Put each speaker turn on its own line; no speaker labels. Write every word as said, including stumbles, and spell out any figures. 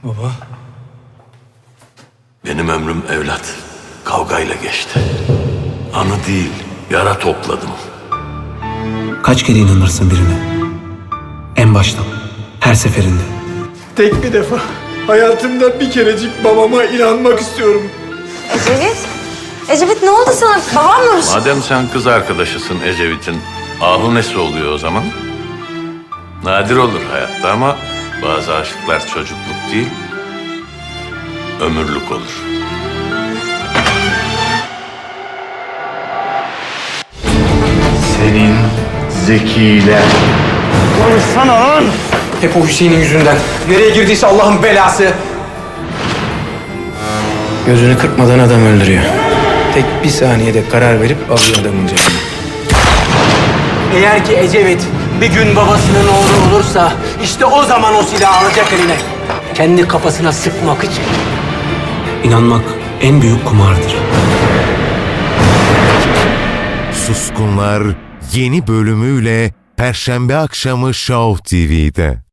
Baba.
Benim ömrüm evlat kavgayla geçti. Anı değil, yara topladım.
Kaç kere inanırsın birine? En baştan, her seferinde.
Tek bir defa hayatımda bir kerecik babama inanmak istiyorum.
Ecevit? Ecevit ne oldu sana? Babam mı?
Madem sen kız arkadaşısın Ecevit'in, ahu nesi oluyor o zaman? Nadir olur hayatta ama bazı aşklar çocukluk değil, ömürlük olur.
Senin zekiler. Konuşsana lan!
Hep o Hüseyin'in yüzünden. Nereye girdiyse Allah'ın belası. Gözünü kırpmadan adam öldürüyor. Tek bir saniyede karar verip alıyor adamın canını.
Eğer ki Ecevit bir gün babasının oğlu olursa işte o zaman o silahı alacak eline. Kendi kafasına sıkmak için.
İnanmak en büyük kumardır.
Suskunlar yeni bölümüyle Perşembe akşamı Show T V'de.